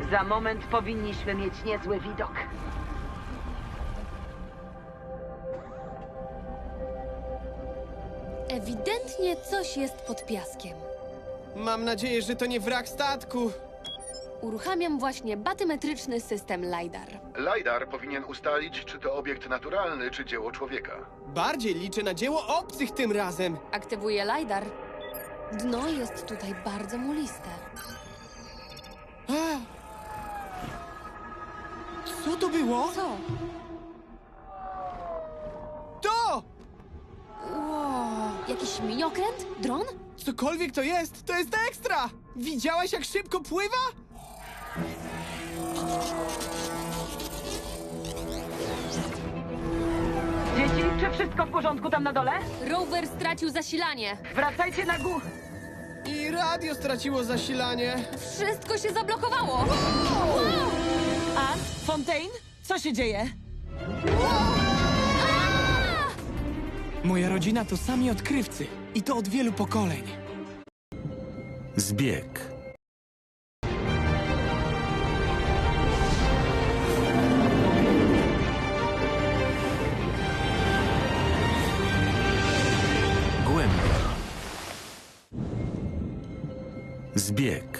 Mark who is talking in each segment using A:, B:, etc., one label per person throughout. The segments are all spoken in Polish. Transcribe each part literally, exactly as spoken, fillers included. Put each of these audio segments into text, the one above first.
A: Za moment powinniśmy mieć niezły widok.
B: Ewidentnie coś jest pod piaskiem.
C: Mam nadzieję, że to nie wrak statku.
B: Uruchamiam właśnie batymetryczny system LiDAR.
D: LiDAR powinien ustalić, czy to obiekt naturalny, czy dzieło człowieka.
C: Bardziej liczę na dzieło obcych tym razem.
B: Aktywuję LiDAR. Dno jest tutaj bardzo muliste.
C: A! Co to było?
B: Co?
C: To!
B: Wow. Jakiś miniokręt? Dron?
C: Cokolwiek to jest, to jest ekstra! Widziałaś, jak szybko pływa?
A: Dzieci, czy wszystko w porządku tam na dole?
B: Rower stracił zasilanie.
A: Wracajcie na górę.
C: I radio straciło zasilanie.
B: Wszystko się zablokowało.
E: A, Fontaine? Co się dzieje?
F: Moja rodzina to sami odkrywcy. I to od wielu pokoleń.
G: Zbieg. Głębia. Zbieg.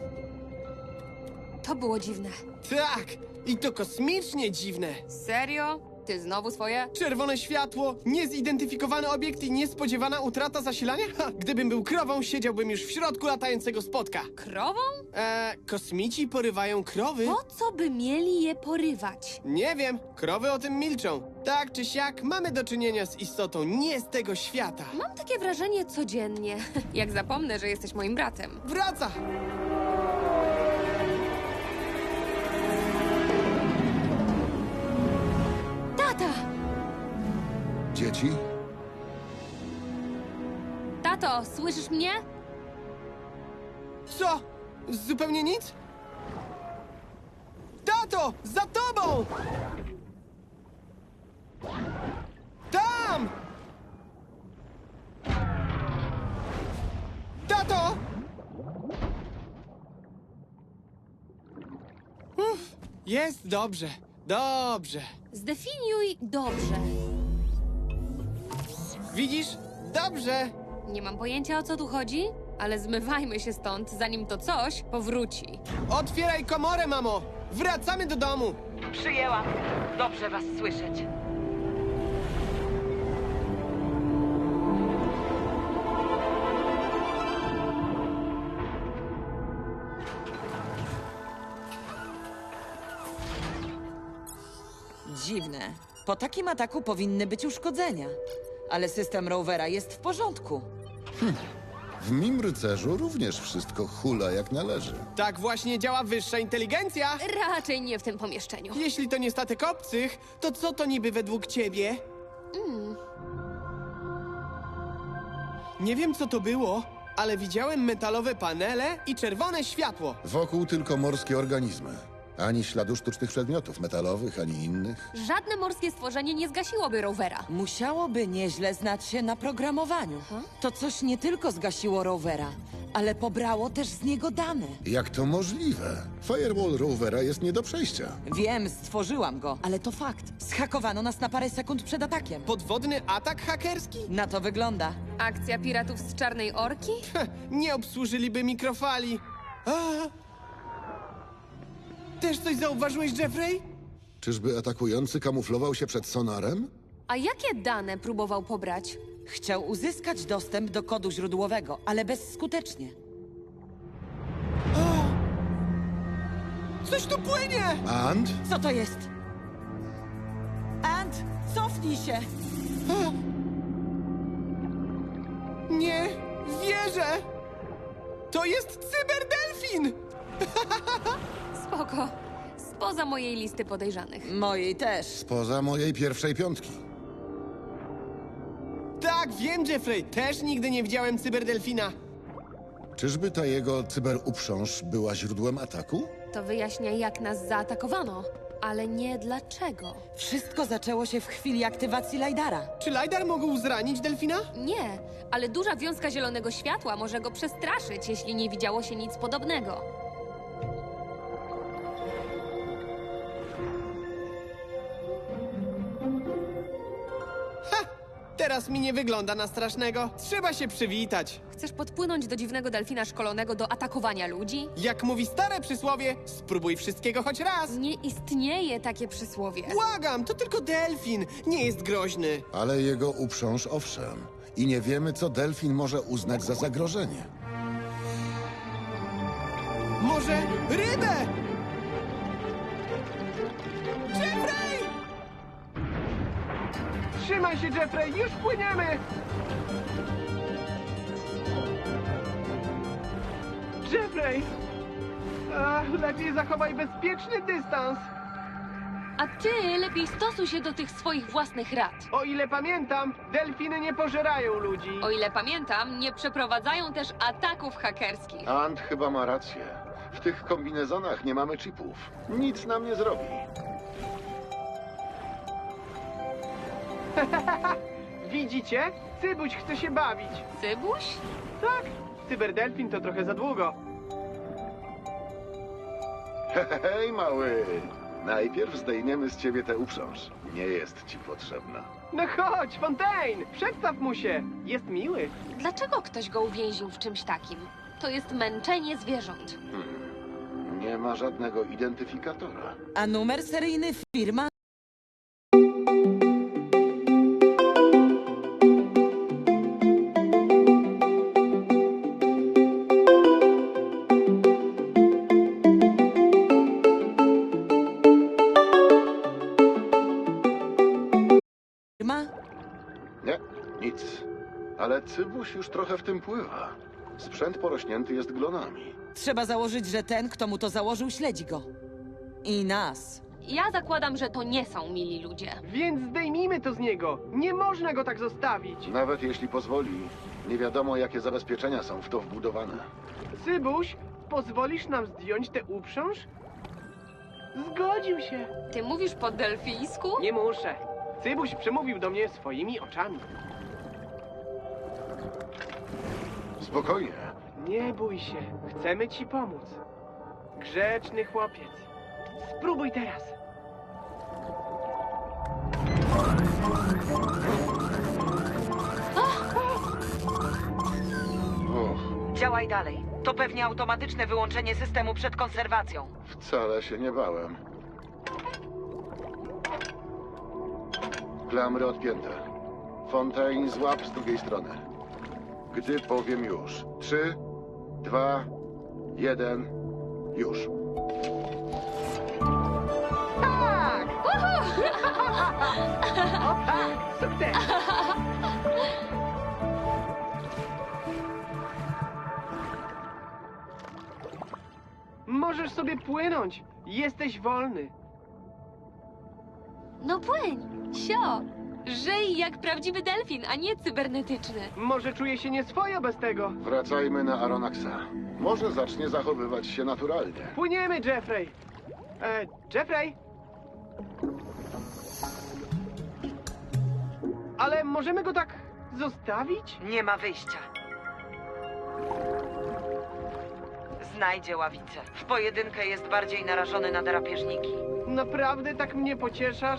B: To było dziwne.
C: Tak, i to kosmicznie dziwne.
B: Serio? Ty znowu swoje?
C: Czerwone światło, niezidentyfikowany obiekt i niespodziewana utrata zasilania? Ha, gdybym był krową, siedziałbym już w środku latającego spotka.
B: Krową?
C: Eee, kosmici porywają krowy?
B: Po co by mieli je porywać?
C: Nie wiem, krowy o tym milczą. Tak czy siak, mamy do czynienia z istotą nie z tego świata.
B: Mam takie wrażenie codziennie. Jak zapomnę, że jesteś moim bratem.
C: Wraca!
B: Tata!
D: Dzieci?
B: Tato, słyszysz mnie?
C: Co? Zupełnie nic? Tato! Za tobą! Tam! Tato! Uff, jest dobrze, dobrze.
B: Zdefiniuj dobrze.
C: Widzisz? Dobrze.
B: Nie mam pojęcia, o co tu chodzi, ale zmywajmy się stąd, zanim to coś powróci.
C: Otwieraj komorę, mamo! Wracamy do domu!
A: Przyjęłam. Dobrze was słyszeć.
E: Dziwne. Po takim ataku powinny być uszkodzenia. Ale system rowera jest w porządku.
D: W mim rycerzu również wszystko hula jak należy.
C: Tak właśnie działa wyższa inteligencja!
B: Raczej nie w tym pomieszczeniu.
C: Jeśli to nie statek obcych, to co to niby według ciebie? Nie wiem, co to było, ale widziałem metalowe panele i czerwone światło.
D: Wokół tylko morskie organizmy. Ani śladu sztucznych przedmiotów metalowych, ani innych.
B: Żadne morskie stworzenie nie zgasiłoby rowera.
E: Musiałoby nieźle znać się na programowaniu. To coś nie tylko zgasiło rowera, ale pobrało też z niego dane.
D: Jak to możliwe? Firewall Rovera jest nie do przejścia.
E: Wiem, stworzyłam go, ale to fakt. Zhakowano nas na parę sekund przed atakiem.
C: Podwodny atak hakerski?
E: Na to wygląda.
B: Akcja piratów z Czarnej Orki?
C: Heh, nie obsłużyliby mikrofali. A! Też coś zauważyłeś, Jeffrey?
D: Czyżby atakujący kamuflował się przed sonarem?
B: A jakie dane próbował pobrać?
E: Chciał uzyskać dostęp do kodu źródłowego, ale bezskutecznie.
C: Coś tu płynie!
D: And?
E: Co to jest? Ant, cofnij się!
C: Nie wierzę! To jest cyberdelfin!
B: Spoko. Spoza mojej listy podejrzanych.
E: Mojej też.
D: Spoza mojej pierwszej piątki.
C: Tak, wiem, Jeffrey. Też nigdy nie widziałem cyberdelfina.
D: Czyżby ta jego cyberuprząż była źródłem ataku?
B: To wyjaśnia, jak nas zaatakowano, ale nie dlaczego.
E: Wszystko zaczęło się w chwili aktywacji LiDARa.
C: Czy LiDAR mógł zranić delfina?
B: Nie, ale duża wiązka zielonego światła może go przestraszyć, jeśli nie widziało się nic podobnego.
C: teraz mi nie wygląda na strasznego. Trzeba się przywitać.
B: Chcesz podpłynąć do dziwnego delfina szkolonego do atakowania ludzi?
C: Jak mówi stare przysłowie, spróbuj wszystkiego choć raz.
B: Nie istnieje takie przysłowie.
C: Błagam, to tylko delfin. Nie jest groźny.
D: Ale jego uprząż owszem. I nie wiemy, co delfin może uznać za zagrożenie.
C: Może rybę? Jeffrey! Trzymaj się, Jeffrey, już płyniemy! Jeffrey! Ach, lepiej zachowaj bezpieczny dystans.
B: A ty lepiej stosuj się do tych swoich własnych rad.
C: O ile pamiętam, delfiny nie pożerają ludzi.
B: O ile pamiętam, nie przeprowadzają też ataków hakerskich.
D: Ant chyba ma rację. W tych kombinezonach nie mamy chipów. Nic nam nie zrobi.
C: Widzicie? Cybuś chce się bawić.
B: Cybuś?
C: Tak, cyberdelfin to trochę za długo.
D: Hej, mały. Najpierw zdejmiemy z ciebie tę uprząż. Nie jest ci potrzebna.
C: No chodź, Fontaine! Przedstaw mu się! Jest miły.
B: Dlaczego ktoś go uwięził w czymś takim? To jest męczenie zwierząt.
D: Nie ma żadnego identyfikatora.
E: A numer seryjny firma? Firma?
D: Nie, nic. Ale Cybuś już trochę w tym pływa. Sprzęt porośnięty jest glonami.
E: Trzeba założyć, że ten, kto mu to założył, śledzi go. I nas.
B: Ja zakładam, że to nie są mili ludzie.
C: Więc zdejmijmy to z niego. Nie można go tak zostawić.
D: Nawet jeśli pozwoli, nie wiadomo, jakie zabezpieczenia są w to wbudowane.
C: Cybuś, pozwolisz nam zdjąć tę uprząż? Zgodził się.
B: Ty mówisz po delfińsku?
C: Nie muszę. Cybuś przemówił do mnie swoimi oczami.
D: Spokojnie.
C: Nie bój się. Chcemy ci pomóc. Grzeczny chłopiec. Spróbuj teraz.
D: Och,
A: Działaj dalej. To pewnie automatyczne wyłączenie systemu przed konserwacją.
D: wcale się nie bałem. Klamry odpięte. Fontaine, złap z drugiej strony. Gdy powiem już. Trzy, dwa, jeden, już.
C: Tak! O tak! Sukces! Możesz sobie płynąć. Jesteś wolny.
B: No płyń, sio. Żyj jak prawdziwy delfin, a nie cybernetyczny.
C: Może czuję się nieswojo bez tego.
D: Wracajmy na Aronaxa. Może zacznie zachowywać się naturalnie.
C: Płyniemy, Jeffrey. E, Jeffrey? Ale możemy go tak zostawić?
A: Nie ma wyjścia. Znajdzie ławicę. W pojedynkę jest bardziej narażony na drapieżniki.
C: Naprawdę tak mnie pocieszasz?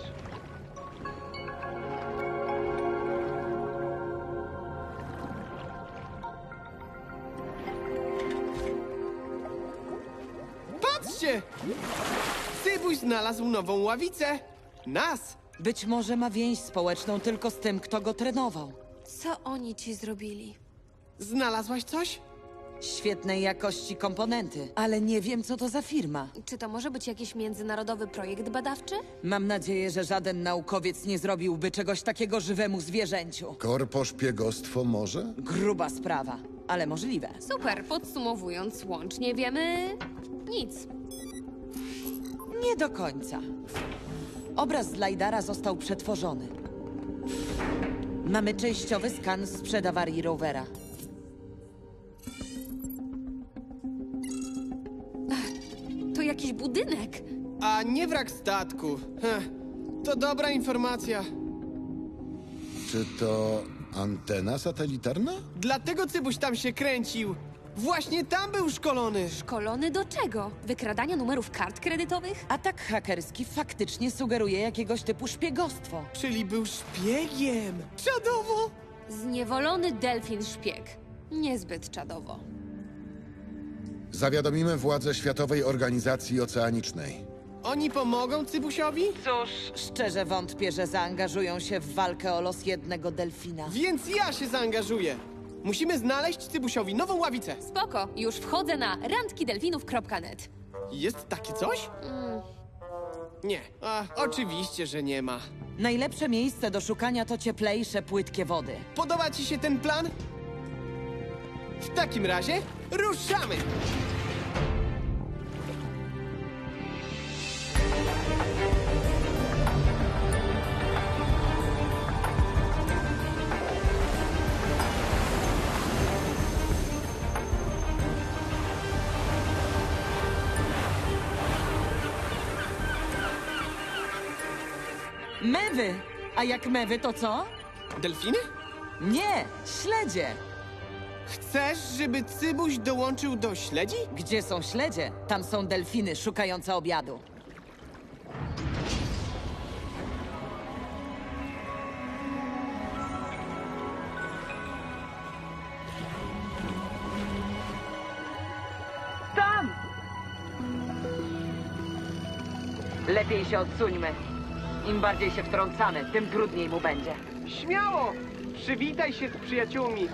C: Patrzcie! Cybuś znalazł nową ławicę. Nas!
E: Być może ma więź społeczną tylko z tym, kto go trenował.
B: Co oni ci zrobili?
C: Znalazłaś coś?
E: Świetnej jakości komponenty, ale nie wiem, co to za firma.
B: Czy to może być jakiś międzynarodowy projekt badawczy?
E: Mam nadzieję, że żaden naukowiec nie zrobiłby czegoś takiego żywemu zwierzęciu.
D: Korposzpiegostwo może?
E: Gruba sprawa, ale możliwe.
B: Super, podsumowując, łącznie wiemy nic.
E: Nie do końca. Obraz z Lajdara został przetworzony. Mamy częściowy skan sprzed awarii rowera.
B: To jakiś budynek.
C: A nie wrak statku. Heh, to dobra informacja.
D: Czy to antena satelitarna?
C: Dlatego Cybuś tam się kręcił. Właśnie tam był szkolony!
B: Szkolony do czego? Wykradania numerów kart kredytowych?
E: Atak hakerski faktycznie sugeruje jakiegoś typu szpiegostwo.
C: Czyli był szpiegiem! Czadowo!
B: Zniewolony delfin szpieg. Niezbyt czadowo.
H: Zawiadomimy władze Światowej Organizacji Oceanicznej.
C: Oni pomogą Cybusiowi?
A: Cóż,
E: Szczerze wątpię, że zaangażują się w walkę o los jednego delfina.
C: Więc ja się zaangażuję! Musimy znaleźć Cybusiowi nową ławicę.
B: Spoko, już wchodzę na randkidelfinów kropka net.
C: Jest takie coś? Nie. A, oczywiście, że nie ma.
E: Najlepsze miejsce do szukania to cieplejsze, płytkie wody.
C: Podoba ci się ten plan? W takim razie ruszamy!
E: Mewy! A jak mewy, to co?
C: Delfiny?
E: Nie, śledzie!
C: Chcesz, żeby Cybuś dołączył do śledzi?
E: Gdzie są śledzie? Tam są delfiny szukające obiadu.
A: tam! Lepiej się odsuńmy. Im bardziej się wtrącamy, tym trudniej mu będzie.
C: Śmiało! Przywitaj się z przyjaciółmi.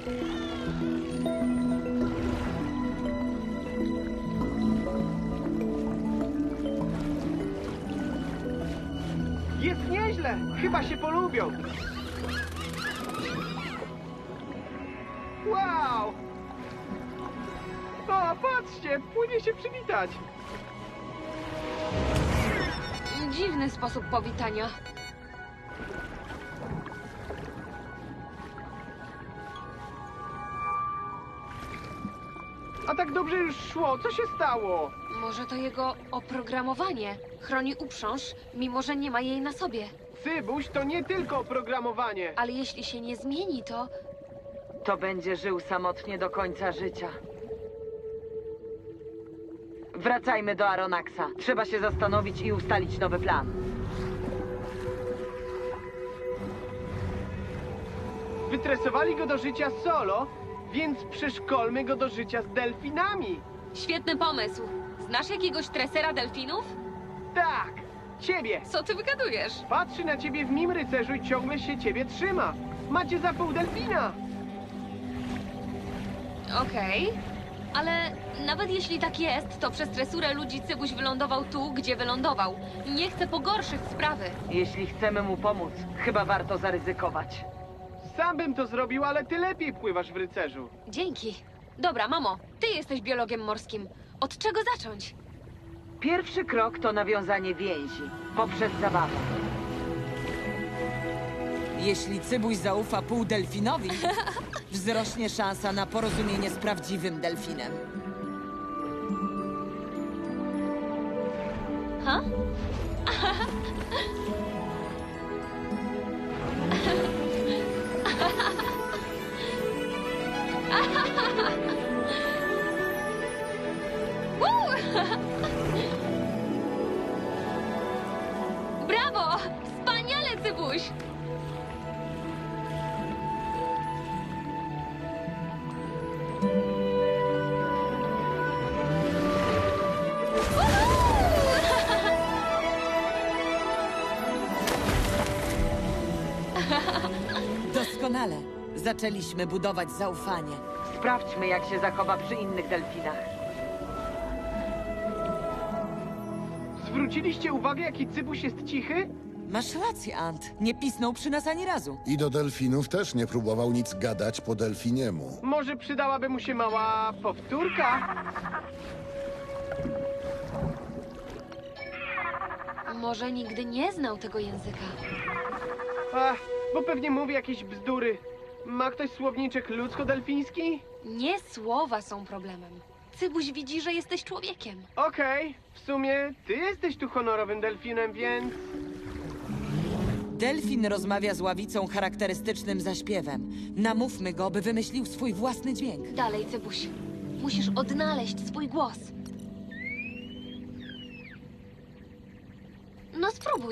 C: Jest nieźle! Chyba się polubią. Wow! O, patrzcie! Płynie się przywitać.
B: Dziwny sposób powitania.
C: A tak dobrze już szło. Co się stało?
B: Może to jego oprogramowanie. Chroni uprząż, mimo że nie ma jej na sobie.
C: Cybuś to nie tylko oprogramowanie.
B: Ale jeśli się nie zmieni, to...
A: To będzie żył samotnie do końca życia. Wracajmy do Aronaxa. Trzeba się zastanowić i ustalić nowy plan.
C: Wytresowali go do życia solo, więc przeszkolmy go do życia z delfinami.
B: Świetny pomysł. Znasz jakiegoś tresera delfinów?
C: Tak, ciebie.
B: Co ty wygadujesz?
C: Patrzy na ciebie w mim rycerzu i ciągle się ciebie trzyma. Macie za pół delfina.
B: Okej. Ale nawet jeśli tak jest, to przez tresurę ludzi Cybuś wylądował tu, gdzie wylądował. Nie chcę pogorszyć sprawy.
A: Jeśli chcemy mu pomóc, chyba warto zaryzykować.
C: Sam bym to zrobił, ale ty lepiej pływasz w rycerzu.
B: Dzięki. Dobra, mamo, ty jesteś biologiem morskim. Od czego zacząć?
A: Pierwszy krok to nawiązanie więzi poprzez zabawę.
E: Jeśli Cybuś zaufa półdelfinowi, wzrośnie szansa na porozumienie z prawdziwym delfinem.
B: Ha? Woo! Brawo! Wspaniale, Cybuś!
E: Doskonale. Zaczęliśmy budować zaufanie.
A: Sprawdźmy, jak się zachowa przy innych delfinach.
C: Zwróciliście uwagę, jaki Cybuś jest cichy?
E: Masz rację, Ant. Nie pisnął przy nas ani razu.
H: I do delfinów też nie próbował nic gadać po delfiniemu.
C: Może przydałaby mu się mała powtórka?
B: Może nigdy nie znał tego języka.
C: Ach, bo pewnie mówi jakieś bzdury. Ma ktoś słowniczek ludzko-delfiński?
B: Nie słowa są problemem. Cybuś widzi, że jesteś człowiekiem.
C: Okej, w sumie ty jesteś tu honorowym delfinem, więc...
E: Delfin rozmawia z ławicą charakterystycznym zaśpiewem. Namówmy go, by wymyślił swój własny dźwięk.
B: Dalej, Cybuś. Musisz odnaleźć swój głos. No spróbuj.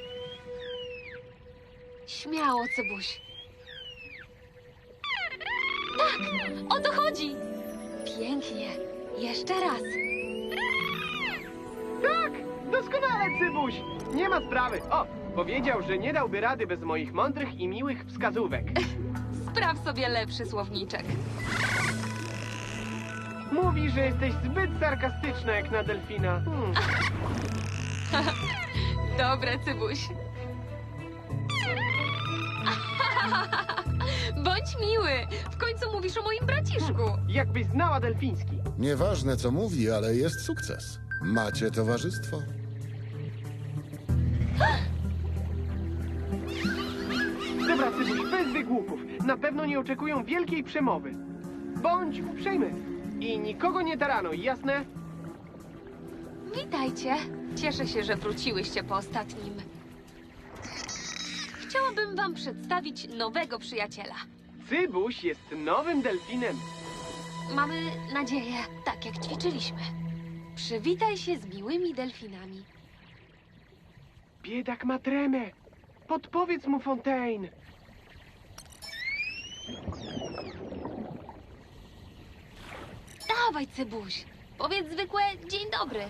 B: Śmiało, Cybuś. Tak, o to chodzi. Pięknie. Jeszcze raz.
I: Tak! Doskonale, Cybuś! Nie ma sprawy. O, powiedział, że nie dałby rady bez moich mądrych i miłych wskazówek.
B: Spraw sobie lepszy słowniczek.
I: Mówi, że jesteś zbyt sarkastyczna jak na delfina. Hmm.
B: Dobre, Cybuś. Bądź miły. W końcu mówisz o moim braciszku.
I: Jakbyś znała delfiński.
H: Nieważne co mówi, ale jest sukces. Macie towarzystwo.
I: Dobra, Cybuś, bez wygłupów. Na pewno nie oczekują wielkiej przemowy. Bądź uprzejmy. I nikogo nie taranuj, jasne?
B: Witajcie. Cieszę się, że wróciłyście po ostatnim. Chciałabym wam przedstawić nowego przyjaciela.
I: Cybuś jest nowym delfinem.
B: Mamy nadzieję, tak jak ćwiczyliśmy. Przywitaj się z miłymi delfinami.
I: Biedak ma tremę. Podpowiedz mu, Fontaine.
B: Dawaj, Cybuś. Powiedz zwykłe dzień dobry.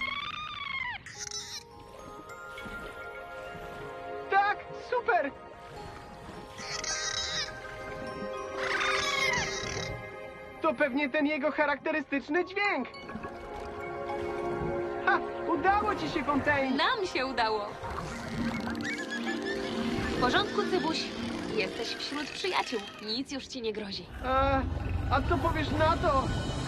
I: Tak, super! To pewnie ten jego charakterystyczny dźwięk. Ha! Udało ci się, Fontaine!
B: Nam się udało. W porządku, Cybuś. Jesteś wśród przyjaciół. Nic już ci nie grozi.
I: A, a co powiesz na to?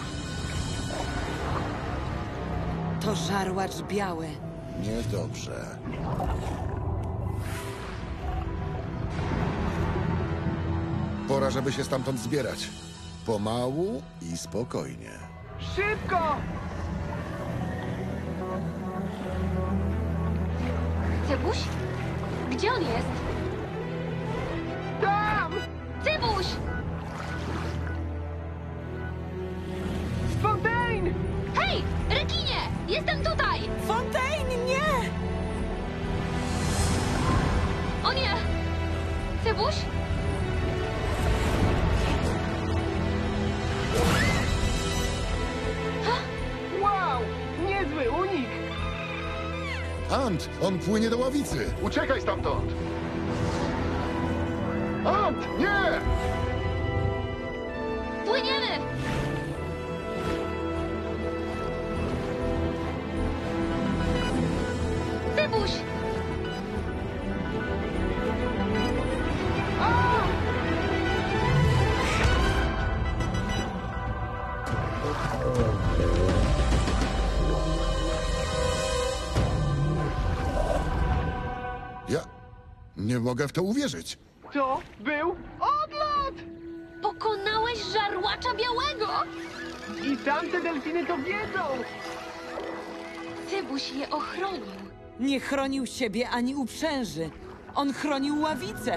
E: To żarłacz biały.
H: Niedobrze. Pora, żeby się stamtąd zbierać. Pomału i spokojnie.
I: Szybko!
B: Cybuś? Gdzie on jest?
I: Tam!
B: Cybuś!
I: Fontaine!
B: Hej! Rekinie! Jestem tutaj!
E: Fontaine, nie!
B: O nie! Cybuś?
I: Wow! Niezły unik!
H: Ant, on płynie do ławicy.
D: Uciekaj stamtąd! Ant, nie!
B: Płyniemy! Cybuś!
H: Ja nie mogę w to uwierzyć.
I: To był odlot!
B: Pokonałeś żarłacza białego!
I: I tamte delfiny to wiedzą!
B: Cybuś je ochronił.
E: Nie chronił siebie ani uprzęży. On chronił ławicę.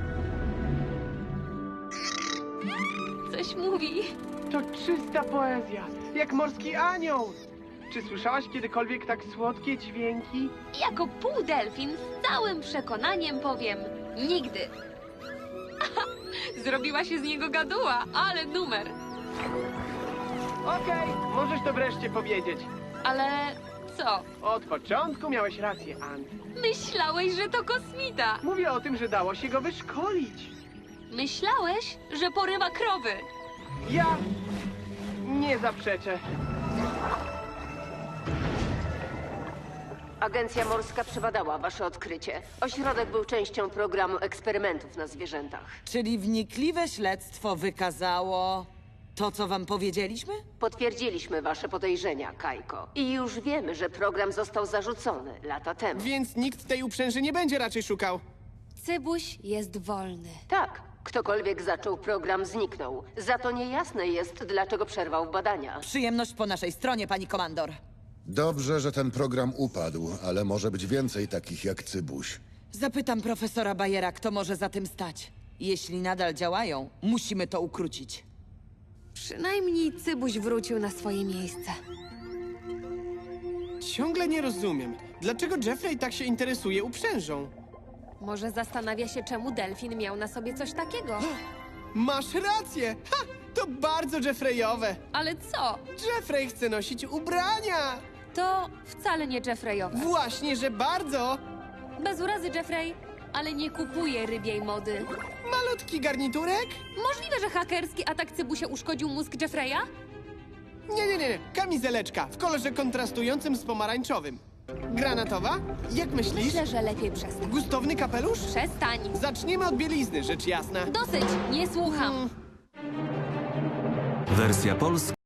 B: Coś mówi.
I: To czysta poezja, jak morski anioł. Czy słyszałaś kiedykolwiek tak słodkie dźwięki?
B: Jako półdelfin z całym przekonaniem powiem nigdy. Zrobiła się z niego gaduła, ale numer.
I: Okej, możesz to wreszcie powiedzieć.
B: Ale co?
I: Od początku miałeś rację, Ant.
B: Myślałeś, że to kosmita.
I: Mówię o tym, że dało się go wyszkolić.
B: Myślałeś, że porywa krowy.
I: Ja nie zaprzeczę.
J: Agencja Morska przebadała wasze odkrycie. Ośrodek był częścią programu eksperymentów na zwierzętach.
E: Czyli wnikliwe śledztwo wykazało to, co wam powiedzieliśmy?
J: Potwierdziliśmy wasze podejrzenia, Kajko. I już wiemy, że program został zarzucony lata temu.
C: Więc nikt tej uprzęży nie będzie raczej szukał.
B: Cybuś jest wolny.
J: Tak, ktokolwiek zaczął program, zniknął. Za to niejasne jest, dlaczego przerwał badania.
E: Przyjemność po naszej stronie, pani komandor.
H: Dobrze, że ten program upadł, ale może być więcej takich jak Cybuś.
E: Zapytam profesora Bayera, kto może za tym stać. Jeśli nadal działają, musimy to ukrócić.
B: Przynajmniej Cybuś wrócił na swoje miejsce.
C: Ciągle nie rozumiem, dlaczego Jeffrey tak się interesuje uprzężą.
B: Może zastanawia się, czemu delfin miał na sobie coś takiego.
C: Masz rację! Ha! To bardzo Jeffreyowe!
B: Ale co?
C: Jeffrey chce nosić ubrania!
B: To wcale nie Jeffreyowe.
C: Właśnie, że bardzo!
B: Bez urazy, Jeffrey, ale nie kupuje rybiej mody.
C: Malutki garniturek?
B: Możliwe, że hakerski atak Cybusia uszkodził mózg Jeffreya?
C: Nie, nie, nie, kamizeleczka w kolorze kontrastującym z pomarańczowym. Granatowa? Jak myślisz?
B: Myślę, że lepiej przestań.
C: Gustowny kapelusz?
B: Przestań.
C: Zaczniemy od bielizny, rzecz jasna.
B: Dosyć, nie słucham.
G: Wersja polska.